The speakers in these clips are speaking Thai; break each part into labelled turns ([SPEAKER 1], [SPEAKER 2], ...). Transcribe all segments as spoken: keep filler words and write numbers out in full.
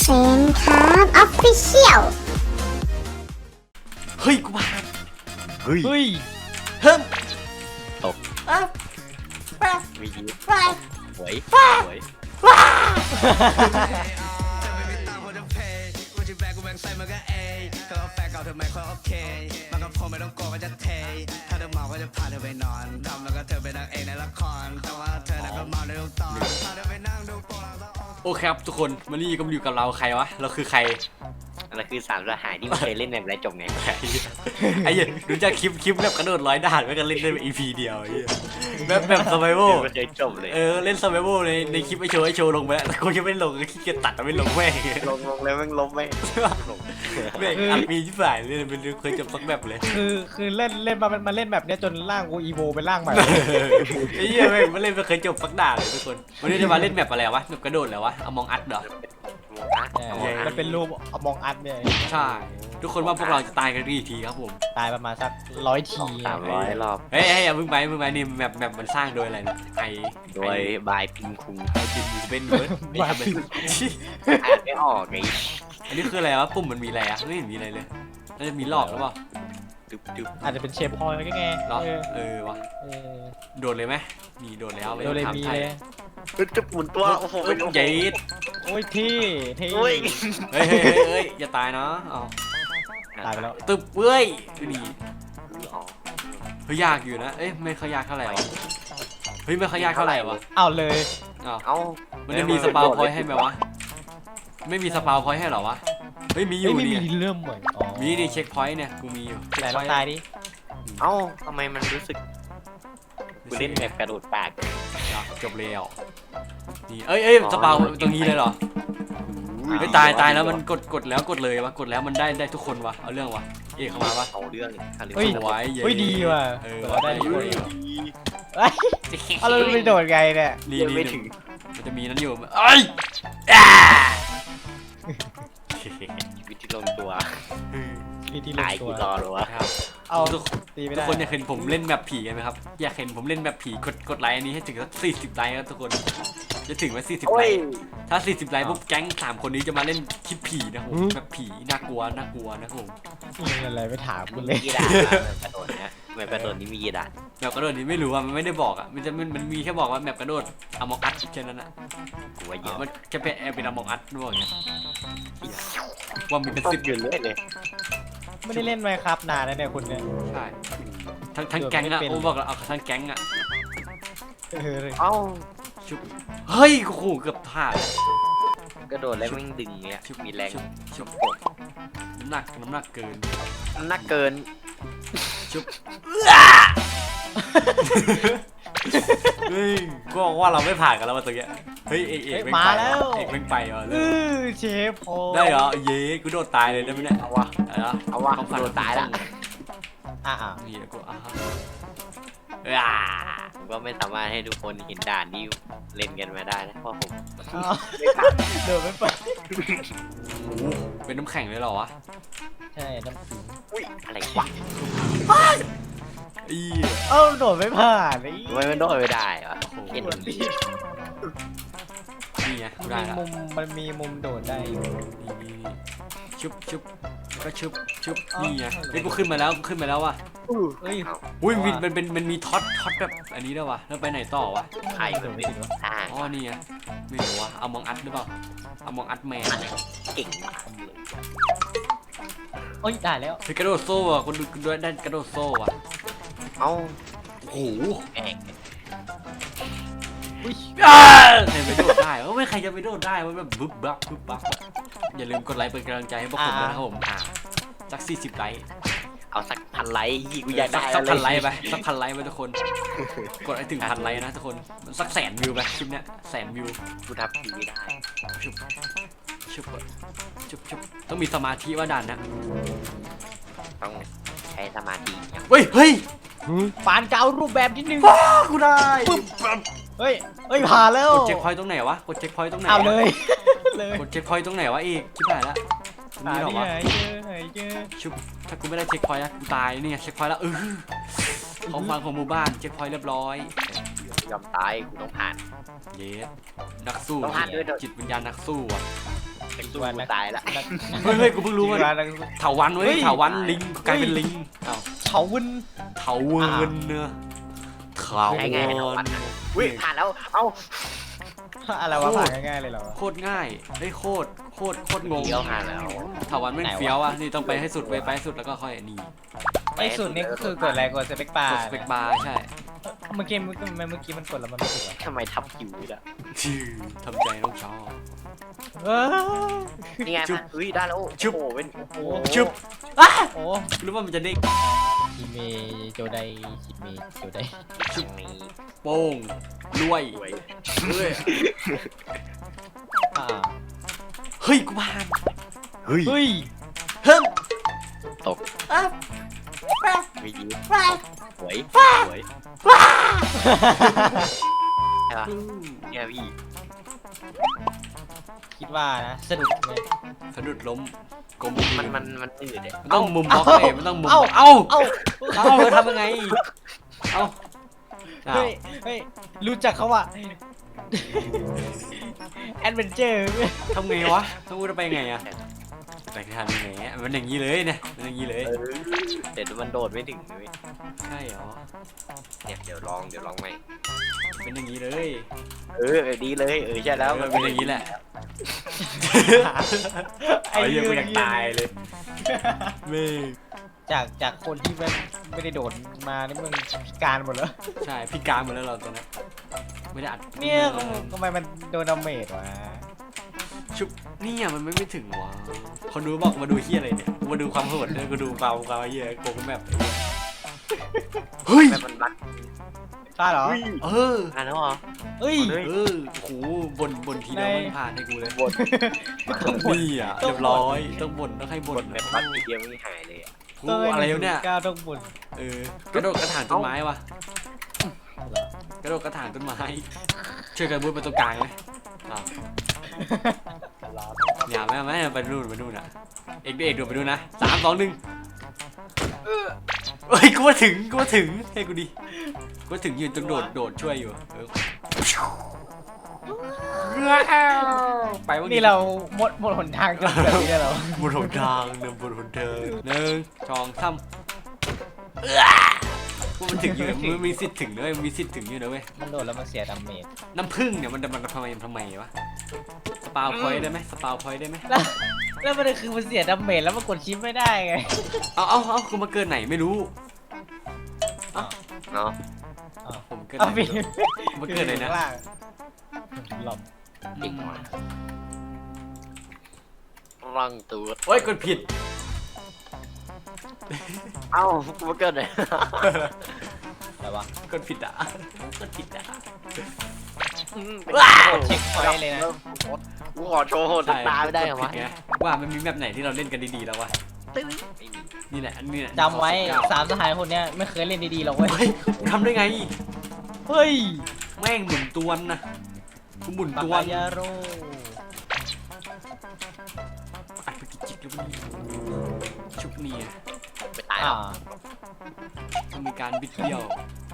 [SPEAKER 1] เซนครับออฟฟิเชียล
[SPEAKER 2] เฮ้ยกูมาเฮ้ย
[SPEAKER 3] เฮ้ย
[SPEAKER 2] เฮิม
[SPEAKER 3] ตก
[SPEAKER 2] อ่ะป้า
[SPEAKER 3] มียิ้ม
[SPEAKER 2] ป้า
[SPEAKER 3] หวยหวย
[SPEAKER 2] ว้าโอเคครับทุกคนวันนี้ก็มาอยู่กับเราใครวะเราคือใคร
[SPEAKER 3] อันนั้นคือสามสหายที่ไม่เคยเล่นแบบไรจบไง
[SPEAKER 2] ไอ้เหี้ยดูจากคลิปคลิปแบบกระโดดร้อยด่านไม่กันเล่นได้อีพีเดียวไอ้เหี้ยแบบแบบสไบโว
[SPEAKER 3] ไม่เคยจบเลย
[SPEAKER 2] เออเล่นสไบโวในในคลิปไอโชว์ไอโชว์ลงไปแล้วแต่กูยังไม่ลงก็ขี้เกียจตัดไม่ลงแม่ง
[SPEAKER 3] ลงลงแล้วแม่งล้มแม่งลง
[SPEAKER 2] แม่งอัดมีที่ฝ่ายเลยเป็นเรื่องเคยจบสักแบบเลย
[SPEAKER 4] คือคือเล่นเล่นมามาเล่นแบบเนี้ยจนร่างกูอีโวเป็นร่างใหม่
[SPEAKER 2] ไอ้เหี้ยแม่งไม่เล่นไม่เคยจบสักด่านเลยทุกคนวันนี้จะมาเล่นแบบอะไรวะแบบกระโดดแล้ววะเอามองอัดเหรอ
[SPEAKER 4] มันเป็นรูปอมองอัดเนี่ย
[SPEAKER 2] ใช่ทุกคนว่าพวกเราจะตายกันกี่ทีครับผม
[SPEAKER 4] ตายประมาณสักร้อยที
[SPEAKER 3] สามร้อยรอบ
[SPEAKER 2] เฮ้ยเฮ้ยอย่าเพิ่งไปเพิ่งไปนี่แบบแบบมันสร้างโดยอะไรนะไอ
[SPEAKER 3] โดยบายพิมคุง
[SPEAKER 2] ไอจิมเป็นเบิร์ดไม่ทำเป็น
[SPEAKER 3] อ่านไม่ออกไง
[SPEAKER 2] อันนี้คืออะไรวะปุ่มมันมีอะไรอะไม่เห็นมีอะไรเลยน่าจะมีหลอกหรือเปล่า
[SPEAKER 3] ดึบดึบ
[SPEAKER 4] อาจจะเป็นเชฟพอยก็ไง
[SPEAKER 2] หรอ
[SPEAKER 4] เออ
[SPEAKER 2] เออวะ
[SPEAKER 4] เออ
[SPEAKER 2] โดดเลยไหมนี่โดดแล้วไม่
[SPEAKER 4] โด
[SPEAKER 2] ต้อง
[SPEAKER 4] เร
[SPEAKER 2] ถาม
[SPEAKER 4] มี
[SPEAKER 2] ไทย
[SPEAKER 4] เลย
[SPEAKER 3] จะหมุนตัวโอ้โห
[SPEAKER 2] เอ้ยใหญ่
[SPEAKER 4] โอ้ยที่ที่
[SPEAKER 3] โอ้ย
[SPEAKER 2] เฮ้ยเฮ้ยเฮ้ยเฮ้ยอย่าตายนะเอา
[SPEAKER 4] ตายไปแล้ว
[SPEAKER 2] ตึบเว้ยดูดิ
[SPEAKER 3] อ๋อ
[SPEAKER 2] เฮ้ยยากอยู่นะเอ้ยไม่ค่อยยากเท่าไหร่วะเฮ้ยไม่ค่อยยากเท่าไหร่วะ
[SPEAKER 4] เอาเลย
[SPEAKER 2] อ้าว
[SPEAKER 3] เอ้า
[SPEAKER 2] มันจะมีสปาวพอยต์ให้ไหมวะไม่มีสปาวพอยต์ให้เหรอวะเฮ้ยมีอยู่
[SPEAKER 4] เฮ้ยไม่
[SPEAKER 2] นี่
[SPEAKER 4] มีเริ่มเหมือนอ๋อ
[SPEAKER 2] มีนี่เช็คพอยต์เนี่ยกูมีอยู่
[SPEAKER 4] ไหนลองตายดิ
[SPEAKER 3] เอ้าทำไมมันรู้สึกกูเล่นแบบกระโดดปาก
[SPEAKER 2] จบแล้วนี่เอ้ยเอ้ยสปาวตรงนี้เลยเหรอเฮ้ยตายตายแล้วมันกดกดแล้วกดเลยวะกดแล้วมันได้ได้ทุกคนวะเอาเรื่องวะเอกเข้ามาวะ
[SPEAKER 3] เอาเรื่องอะไร
[SPEAKER 4] เฮ้ย
[SPEAKER 2] สวยเย้
[SPEAKER 4] เฮ้ยดีว่ะ
[SPEAKER 2] เออ
[SPEAKER 4] เราได้
[SPEAKER 2] ได้
[SPEAKER 4] ทุ
[SPEAKER 2] อก
[SPEAKER 4] ค
[SPEAKER 2] ยู่
[SPEAKER 4] นเอ้ยเอาเราไปโดดไงเนี่ย
[SPEAKER 2] นี่
[SPEAKER 3] ยัง
[SPEAKER 2] นี่
[SPEAKER 3] ไม่ถึง
[SPEAKER 2] มันจะมีนั้นอยู่เอ้ยอ่า
[SPEAKER 3] ชีวิตที่ลงตัว
[SPEAKER 4] ที่ที่ลง
[SPEAKER 3] ตาย
[SPEAKER 4] ตั
[SPEAKER 3] กี่
[SPEAKER 4] ว
[SPEAKER 3] รอหรือวะ
[SPEAKER 2] ครับ
[SPEAKER 4] เอา
[SPEAKER 2] ทุก
[SPEAKER 4] ตีไม่
[SPEAKER 2] ทุก
[SPEAKER 4] ได้
[SPEAKER 2] คนอยากเห็นผมเล่นแบบผีกันไหมครับอยากเห็นผมเล่นแบบผีกดกดไลค์อันนี้ให้ถึงสักสี่สิบไลค์ครับทุกคนจะถึงไหมสี่สิบไลค์ถ้าสี่สิบไลค์ปุ๊บแก๊งสามคนนี้จะมาเล่นคลิปผีนะผมแบบผีน่ากลัวน่ากลัวนะครับผม
[SPEAKER 4] มีอะไรไม่ถามกูเล
[SPEAKER 3] มี
[SPEAKER 4] ย
[SPEAKER 3] กี่ด่านแบบกระโดดเนี้ยแบบกระโดดนี้มีกี่ด่าน
[SPEAKER 2] แบบกระโดดนี้ไม่รู้อ่ะมันไม่ได้บอกอ่ะมันจะมันมันมีแค่บอกว่าแบบกระโดดอมองอัดแค่นั้นอ่ะ
[SPEAKER 3] กูว่าเยอะ
[SPEAKER 2] มันจะเป็นเป็นอมองอัดด้วยไงว่ามีเป็น
[SPEAKER 3] สิ
[SPEAKER 2] สิ
[SPEAKER 3] บบ อยู่เรื่อยเลย
[SPEAKER 4] ไม่ได้เล่นไมค์ครับนานแล้วเนี่ยคุณเนี่ย
[SPEAKER 2] ใช่ทั้งทั้งแก๊งอ่ะโอ้บอกแล้วเอาทั้งแก๊งอ่ะ
[SPEAKER 4] เออ
[SPEAKER 3] เอ้า
[SPEAKER 2] ชุบเฮ้ยโอ้โหเกือบพลาด
[SPEAKER 3] กระโดดแล้วแม่งดึงเนี้ยมีแรง
[SPEAKER 2] ชุบชุบน้ำหนักน้ำหนักเกิน
[SPEAKER 3] น้ำหนักเกิน
[SPEAKER 2] ชุบเฮ้ยก็ว่าเราไม่ผ่านกันแล้วมาตัวเนี้ยเฮ้ยเอกเอกไปเอกไปอ่ะ
[SPEAKER 4] เออเชฟพอย
[SPEAKER 2] ได้เหรอเย้กูโดดตายเลยได้ไหมเนี่ย
[SPEAKER 3] เอาวะ
[SPEAKER 2] เอาละ
[SPEAKER 3] เอาวะ
[SPEAKER 2] ต้องฟัน
[SPEAKER 3] โดนตายละ
[SPEAKER 4] อ่ะ
[SPEAKER 2] นี่กูอ่ะอ่า
[SPEAKER 3] ผมก็ไม่สามารถให้ทุกคนเห็นด่านที่เล่นกันมาได้นะเพราะผม
[SPEAKER 4] เดินไม่ไป
[SPEAKER 2] โอ้โหเป็นน้ำแข็งเลยเหรอวะ
[SPEAKER 4] ใช่น้ำขิง
[SPEAKER 3] อุ้ยอะไรวะ
[SPEAKER 2] อี
[SPEAKER 4] เอ้าโดดไม่ผ่านไอ้
[SPEAKER 3] ทำไมมันโดดไม่ได้วะเห็น
[SPEAKER 4] มันมี
[SPEAKER 2] นี่ไงกูได้ละ
[SPEAKER 4] มุมมันมีมุมโดดได้อยู่
[SPEAKER 2] นี่นี่นี่ชุบชุบก็ชุบชุบนี่ไงเฮ้ยกูขึ้นมาแล้วกูขึ้นมาแล้วว่ะ
[SPEAKER 4] เฮ้ย
[SPEAKER 2] อุ้ยมันมันเป็นมันมีท็อตท็อตแบบอันนี้ด้วยวะแล้วไปไหนต่อวะ
[SPEAKER 3] ใครมันไม่สร้าง
[SPEAKER 2] อ๋อนี่ไงไม่รู้วะเอามองอัดหรือเปล่าเอามองอัดแมน
[SPEAKER 3] เก่งมากเลย
[SPEAKER 4] โอ้ยได้แล้ว
[SPEAKER 2] เฮ้ยกระโดดโซ่อะคนดูด้วยได้กระโดดโซ่อะ
[SPEAKER 3] เอ้า
[SPEAKER 2] โอ้โห
[SPEAKER 3] แอก
[SPEAKER 4] อุ้ย
[SPEAKER 2] อ่าใครไปโดดได้เออไม่ใครจะไปโดดได้มันแบบบึ๊บบั๊บบึ๊บบั๊บอย่าลืมกดไลค์เป็นกำลังใจให้พวกผมด้วยนะครับผมอ่าสักสี่สิบไลค์
[SPEAKER 3] เอาสักพันไลค์ยี่กูอยากได้
[SPEAKER 2] สักพันไลค์ไปสักพันไลค์ไปทุกคนกดให้ถึงพันไลค์นะทุกคนสักแสนวิวไปคลิปเนี้ยแสนวิว
[SPEAKER 3] กูทำทีไม่ได้
[SPEAKER 2] ชุบชุบชุบชุบต้องมีสมาธิว่าด่านนะ
[SPEAKER 3] ต้องใช้สมาธิอย่าง
[SPEAKER 2] เฮ้ยเฮ้ย
[SPEAKER 4] ปานเก้ารูปแบบนิดนึง
[SPEAKER 2] ว้ากูได้
[SPEAKER 4] เฮ้ยเฮ้ยผ่านแล้ว
[SPEAKER 2] กดเช็คพอยต์ตรงไหนวะกดเช็คพอยต์ตรงไหน
[SPEAKER 4] เอาเลยเลย
[SPEAKER 2] กดเช็คพอยต์ตรงไหนวะอีกชิบหายละตรง
[SPEAKER 4] หา
[SPEAKER 2] นี้เหรอ
[SPEAKER 4] ที่
[SPEAKER 2] วะ
[SPEAKER 4] ไหนเจอไหนเจอ
[SPEAKER 2] ชุบถ้ากูไม่ได้เช็คพอยต์นะกูตายนี่ไงเช็คพอยต์แล้วเออของฟังของหมู่บ้านเช็คพอยต์เรียบร้อย
[SPEAKER 3] ยอมตายกูต้องผ่าน
[SPEAKER 2] เยสนักสู้
[SPEAKER 3] ต้องผ่านด้วยเถอะ
[SPEAKER 2] จิตวิญญาณนักสู้อ่ะ
[SPEAKER 3] แต่กูตายละ
[SPEAKER 2] เฮ้ยเฮ้ยกูเพิ่งรู้ว่า
[SPEAKER 4] ว่านัก
[SPEAKER 2] เถาวันเว้
[SPEAKER 4] เฮ้
[SPEAKER 2] ย
[SPEAKER 4] ย
[SPEAKER 2] เถาวันลิงกลายเป็นลิงเอ้า
[SPEAKER 4] เฉาวุ้น
[SPEAKER 2] เถาเวิร์นเนอะเถา
[SPEAKER 3] ง่ายง่ายๆ
[SPEAKER 2] เวิ
[SPEAKER 3] วั
[SPEAKER 2] ร์
[SPEAKER 3] น
[SPEAKER 2] น
[SPEAKER 3] อุ้ยผ่านแล้วเอ้า
[SPEAKER 4] อะไรวะผ่านง่ายๆเลยเหรอวะ
[SPEAKER 2] โคตรง่ายเฮ้ยโคตรโคตรโคตรงง
[SPEAKER 3] เดียวผ่านแล้ว
[SPEAKER 2] เถาวันแม่ง
[SPEAKER 4] ไหนวะ
[SPEAKER 2] เฟี้ยวอ่ะนี่ต้องไปให้สุดไปไปให้สุดแล้วก็ค่อยนี่
[SPEAKER 4] ไอ้สุดนี่ก็คือกดอะไรกดสเปคบาก
[SPEAKER 2] ด
[SPEAKER 4] ร์
[SPEAKER 2] สเปกบาร์ใช่
[SPEAKER 4] เมื่อกี้เมื่อกี้เมื่อกี้มันกดแล้วมันไม่ถูกอะ
[SPEAKER 3] ทำไมทับคิวอ่ะ
[SPEAKER 2] ชื่อทำใจน้องชอบ
[SPEAKER 4] เออ
[SPEAKER 3] นี่ไง
[SPEAKER 2] จุ๊บ
[SPEAKER 3] เฮ้ยได้แล้วโอ้
[SPEAKER 2] จุ๊บ
[SPEAKER 3] โหเป็นโอ้โห
[SPEAKER 2] ชุบอ่ะ
[SPEAKER 4] โอ้
[SPEAKER 2] รู้ว่ามันจะเด้ง
[SPEAKER 4] คิเมโจไดคิเมโจได
[SPEAKER 3] ชุบนี้
[SPEAKER 2] โป้งรวย
[SPEAKER 3] สวย
[SPEAKER 2] เฮ้ย
[SPEAKER 4] อ่า
[SPEAKER 2] เฮ้ยกูผ่าน
[SPEAKER 3] เฮ้ย
[SPEAKER 4] เฮ้ย
[SPEAKER 2] เฮ้ย
[SPEAKER 3] ตก
[SPEAKER 2] อ่ะ
[SPEAKER 3] ไม่ดีสวยสวยใช่ปะเนี่ยพี่
[SPEAKER 4] คิดว่านะสะดุดไหม
[SPEAKER 2] สะดุดล้มกลม
[SPEAKER 3] มันมันมันอืดเนี่ย
[SPEAKER 2] มันต้องมุมบล็อกเลยมันต้องมุม
[SPEAKER 4] เอ้า
[SPEAKER 2] เอ้า
[SPEAKER 4] เอ้า
[SPEAKER 2] เอ้าเราทำยังไงเอ้าอ้าว
[SPEAKER 4] เฮ้ยเฮ้ยรู้จักเขาว่าแอดเวนเจอร์
[SPEAKER 2] ทำไงวะต้องพูดไปไงอะไปทำยังไงอะมันอย่างนี้เลยเนี่ยมันอย่างนี้เลย
[SPEAKER 3] เออเดี๋ยวมันโดดไม่ถึงเลย
[SPEAKER 2] ใช่เหรอ
[SPEAKER 3] เนี่ยเดี๋ยวลองเดี๋ยวลองใหม่
[SPEAKER 2] เป็นอย่างนี้เลย
[SPEAKER 3] เออเออดีเลยเออใช่แล้ว
[SPEAKER 2] เออเป็นอย่างนี้แหละ
[SPEAKER 4] ไอ้
[SPEAKER 2] ไอ้
[SPEAKER 4] เหี้
[SPEAKER 2] เหี้
[SPEAKER 4] ย
[SPEAKER 2] ยกูอยากตายเลยเมฆ
[SPEAKER 4] จากจากคนที่ไม่ไม่ได้โดดมานี่มึงพิการหมดแล้ว
[SPEAKER 2] ใช่พิการหมดแล้วเราตอนนี้ไม่ได้อัด
[SPEAKER 4] เนี่ยทำไมมันโดนดาเมจวะ
[SPEAKER 2] ชุบเนี่ยมันไม่ไม่ถึงวะคนดูบอกมาดูเฮียอะไรเนี่ยมาดูความโหดเนี่ยกูดูความความเฮียโกงแบบเฮ้ย
[SPEAKER 3] แบบมันบัก
[SPEAKER 4] ใช่เหรอ
[SPEAKER 2] เออ
[SPEAKER 3] อ่านแล้วเหรอ
[SPEAKER 4] เฮ้ย
[SPEAKER 3] เฮ้ย
[SPEAKER 2] เออโหบ่นบ่นทีเดียว
[SPEAKER 4] ใน
[SPEAKER 2] มันผ่านให้กูเลย
[SPEAKER 3] บน
[SPEAKER 2] นี่อ่ะเรียบร้อยต้องบ่นต้องให้
[SPEAKER 3] บ
[SPEAKER 2] บ่น
[SPEAKER 3] นแบบบักทีเดียวไม่หายเลยอ่ะ
[SPEAKER 2] กูอะไรวะเนี่ย
[SPEAKER 4] ก้าวต้องบุญ
[SPEAKER 2] เออกระโดดกระถางต้นไม้วะกระโดดกระถางต้นไม้ช่วยกันบุญไปตรงกลางไหมอ้าวอย่าไม่ไม่ไปนู่นไปนู่นอ่ะเอกเอกโดดไปนู่นนะสามสองหนึ่งเฮ้ยกูว่าถึงกูว่าถึงให้กูดิกูว่าถึงยืนตรงโดดโดดช่วยอยู่เออไปวัน
[SPEAKER 4] นี่เราหมดหมดหนทางกันแบบนี้แล้วเหรอบ
[SPEAKER 2] นหนทางเดินบนหนทางหนึ่งสองสามกูมันถึงอยู่มันมีสิทธิ์ถึงด้วยมันมีสิทธิ์ถึงอยู่นะเว้ย
[SPEAKER 4] มันโดดแล้วมันเสียดาเมจ
[SPEAKER 2] น้ำผึ้งเนี่ยมันมันทำไมทำไมวะสปาวพอยต์ได้ไหมสปาวพอยต์ได้ไหม
[SPEAKER 4] แล้วแล้วมันคือมันเสียดาเมจแล้วมันกดชิปไม่ได้ไง
[SPEAKER 2] เอาเอาเอากูมาเกินไหนไม่รู้
[SPEAKER 3] เนาะ
[SPEAKER 2] ผมเกิน
[SPEAKER 4] เอา
[SPEAKER 2] ไหน
[SPEAKER 4] พี่
[SPEAKER 2] มันเกินไหนนะ
[SPEAKER 4] ข้างล่างหลบ
[SPEAKER 3] เด็กมาร่างตัว
[SPEAKER 2] โอ้ยกดผิด
[SPEAKER 3] เอ้ากูมาเกิดเลย
[SPEAKER 4] อะไรวะ
[SPEAKER 2] กดผิดอ่ะกดผิดอ่ะ
[SPEAKER 4] เช็คพอยต์เลยนะ
[SPEAKER 3] กูขอโชว์สักตาไม่ได้เหรอวะ
[SPEAKER 2] กผิงว่ามันมีแบบไหนที่เราเล่นกันดีๆแล้ววะ
[SPEAKER 3] ไม่มี
[SPEAKER 2] นี่แหละอันนี้แหละ
[SPEAKER 4] จำไว้สามสหายคนเนี้ยไม่เคยเล่นดีๆหรอกเว้ย
[SPEAKER 2] เฮ้ยทำได้ไง
[SPEAKER 4] เฮ้ย
[SPEAKER 2] แม่งหมุนตวนนะกูหมุน
[SPEAKER 4] ปาก
[SPEAKER 2] ตวน
[SPEAKER 4] กายาโร่
[SPEAKER 2] อัดไปกี่จิกแล้วมันชุบเนีย
[SPEAKER 3] ไปตาย
[SPEAKER 4] อ่า
[SPEAKER 3] แล้ว
[SPEAKER 2] ต้องมีการบิดเบี้ยว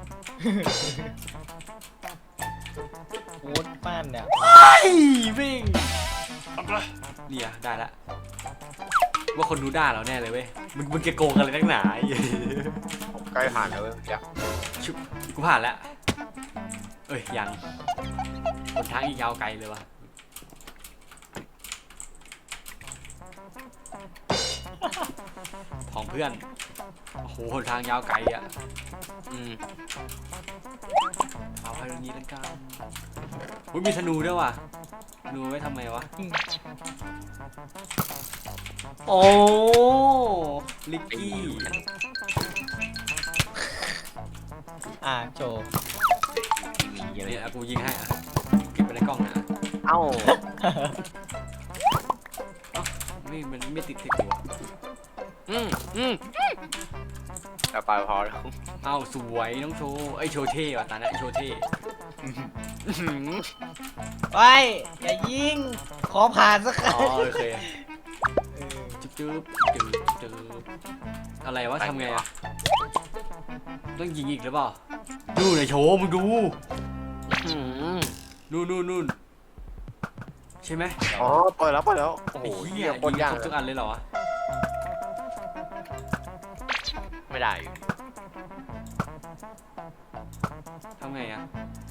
[SPEAKER 4] โคตรป้านเนี่ย
[SPEAKER 2] ไอ้วิ่งเนี่ยได้ละว่าคนดูด่าเราแน่เลยเว้ยมึงมึงจะโกงอะไรนักหนาไอ้เหี้ย
[SPEAKER 3] ผมใกล้ผ่านแล้วเว้ยเดี๋ยว
[SPEAKER 2] ชุบกูผ่านแล้วเอ้ยยังบนทางอีกยาวไกลเลยวะของเพื่อนโอ้โหหนทางยาวไกลอ่ะ
[SPEAKER 3] อืม
[SPEAKER 2] เอาไปตรงนี้แล้วกันอุ้ยมีธนูด้วยว่ะธนูไว้ทำไมวะโอ้ลิกกี้
[SPEAKER 4] อ่าโจ
[SPEAKER 3] มีเยอะ
[SPEAKER 2] เนี่ยกูยิงให้อ่ะเก็บไปในกล้องนะ
[SPEAKER 3] เอ้า
[SPEAKER 2] ไม่มันไม่ติดติดหัว
[SPEAKER 3] อืมอืมเอาไปพอแล้ว
[SPEAKER 2] เอ้าสวยน้องโชว์ไอยโชว์เท่ว่ะตาเนี่ยโชว์เท่
[SPEAKER 4] ไปอย่ายิง ขอผ่านสักครั้
[SPEAKER 2] อ๋อง โอเค
[SPEAKER 4] เออ
[SPEAKER 2] จุ๊บจุ๊บจุ๊บจุ๊บอะไรวะทำไงอะต้องยิงอีกหรือเปล่าดูหน่อยโชว์มึงดู
[SPEAKER 3] อืม
[SPEAKER 2] นู่นนู่นนู่นใช่ไหม
[SPEAKER 3] อ๋อปล่อยแล้วปล่อยแล้วโอ้โห
[SPEAKER 2] ไอ้
[SPEAKER 3] เหี้
[SPEAKER 2] เหี้
[SPEAKER 3] ย
[SPEAKER 2] ย
[SPEAKER 3] โค
[SPEAKER 2] ยิ
[SPEAKER 3] ตรง ยาก
[SPEAKER 2] ครบทุกอันเลยเหรอวะ
[SPEAKER 3] ไม่ได้อยู่
[SPEAKER 2] ทำไงอ่ะ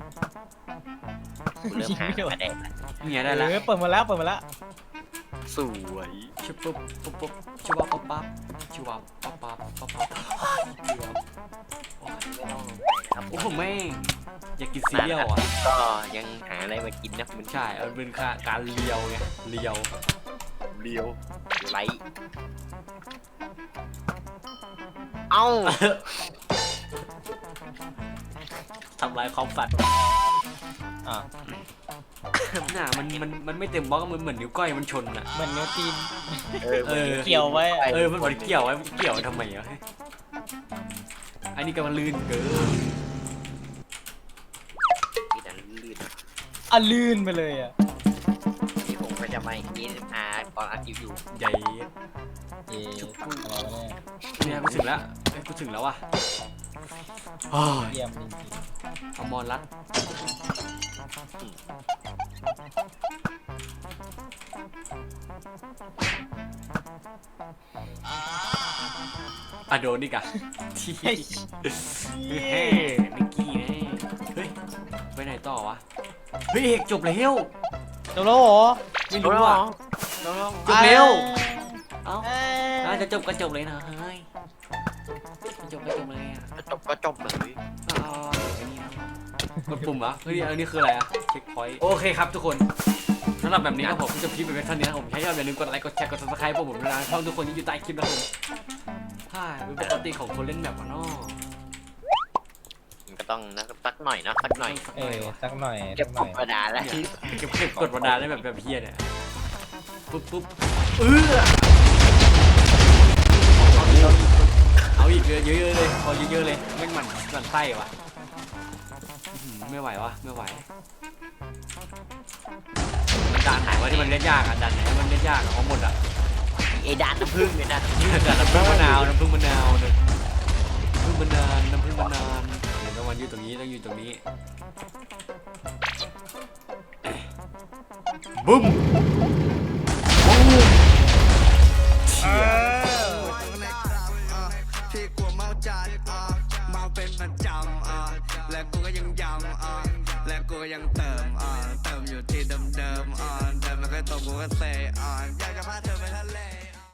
[SPEAKER 3] กูเริ่มหาไม่ได้
[SPEAKER 2] นี่ไงได้แล้ว
[SPEAKER 4] เออเปิดมาแล้วเปิดมาแล้ว
[SPEAKER 3] สวย
[SPEAKER 2] ชุบปุ๊บปุ๊บปุ๊บชุบวับปั๊บปั๊บชุบวับปั๊บปั๊บปั๊บปั๊บชุบวับ
[SPEAKER 3] ไม่ต้องนะครับ
[SPEAKER 2] โอ้ผมไม่งอยากกินซีเรียลอ่ะ
[SPEAKER 3] ก็ยังหาอะไรมากินนะมัน
[SPEAKER 2] ใช่มันเป็นการเลียวไงเลียว
[SPEAKER 3] เลียวไลท์เอ้า
[SPEAKER 2] ทำลายความฝัน
[SPEAKER 4] อ่ะ
[SPEAKER 2] น่ะมันมันมันไม่เต็มบล็อกมันเหมือนนิ้วก้อยมันชนอ่ะ
[SPEAKER 4] เหมือนนิ้วตีน
[SPEAKER 3] เออ
[SPEAKER 2] เออ
[SPEAKER 4] เกี่ยวไว้อะ
[SPEAKER 2] เออมันเหมือนเกี่ยวไว้เกี่ยวทำไมอ่ะอันนี้ก็มันลื่นเกิน
[SPEAKER 3] นี่นะลื่น
[SPEAKER 4] อ่ะลื่นไปเลยอ่ะ
[SPEAKER 3] นี่ผมก็จะมาอย่างนี้อาตอนอัดคลิปอยู่
[SPEAKER 2] ใหญ่
[SPEAKER 4] เย่อะไรวะเนี่ย
[SPEAKER 2] เนี่ยกูถึงแล้วเอ้ยกูถึงแล้วว่ะโอ้ย
[SPEAKER 4] เยี่ยมจริง
[SPEAKER 2] เอามอนรัดอะโดนดิกะที่
[SPEAKER 4] ๆเฮ้ย
[SPEAKER 2] เฮ้ยนิกกี้นะเฮ้ยไปไหนต่อวะเฮ้ยเอกจบแล้ว
[SPEAKER 4] จบแล้วเหรอ
[SPEAKER 2] ไม่รู้อ่ะ
[SPEAKER 3] น้อง
[SPEAKER 2] จบเร็ว เอ้า
[SPEAKER 4] เอ้ย
[SPEAKER 2] น่าจะจบก็จบเลยนะเฮ้ยจบก็จบเลยอ่ะ
[SPEAKER 3] ๆจบก็จบเลย
[SPEAKER 2] เอาไอ้นี่นะกดปุ่มเหรอเฮ้ยอันนี้คืออะไรอ่ะเช็คพอยต์โอเคครับทุกคนสำหรับแบบนี้ครับผมจะพิมพ์ไปเป็นเท่านี้นะครับผมใช้ยอดอย่าลืมกดไลค์กดแชร์กด ซับสไครบ์พวกผมด้วยนะช่องทุกคนที่อยู่ใต้คลิปนะครับผมใช่เป็นปกติของคนเล่นแบบว่าน้อ
[SPEAKER 3] มันก็ต้องนะสักหน่อยเนาะสักหน่อย
[SPEAKER 4] เออสักหน่อย
[SPEAKER 3] เก็
[SPEAKER 4] สั
[SPEAKER 3] บ
[SPEAKER 4] กห
[SPEAKER 3] ก
[SPEAKER 4] น่อ
[SPEAKER 3] ด
[SPEAKER 4] ย
[SPEAKER 3] กระดาษแล้ว
[SPEAKER 2] เนี่ยเก็บเก็บกดวรรดาได้แบบแบบเฮียเนี่ยปุ๊บปุ๊บเออเอาอีกเยอะเยอะๆเลยพอเยอะๆเลยไม่งมันมันไส้วะอื้อหือไม่ไหววะไม่ไหวมันด่านไหนวะที่มันเล่นยากอ่ะด่านไหนมันเล่นยากอ่ะเอาหมดอ่ะ
[SPEAKER 3] ไอ้ด้านน้ำผึ้งเนี่ยนะ
[SPEAKER 2] ด่านน้ำผึ้งมะนาวน้ำผึ้งมะนาวเนี่ยน้ำผึ้งมะนาวน้ำผึ้งมะนาวเดี๋ยวต้องวันอยู่ตรงนี้ต้องอยู่ตรงนี้บุ้มเชี่ย
[SPEAKER 5] ที่กลัวเมาจัดอ่ะเมาเป็นประจำอ่ะและกูก็ยังย้ำอ่ะและกูก็ยังเติมอ่ะเติมอยู่ที่เดิมๆอ่ะเดิมแล้วก็ตรงกูก็เตะอ่ะอยากจะพาเธอไปทะเล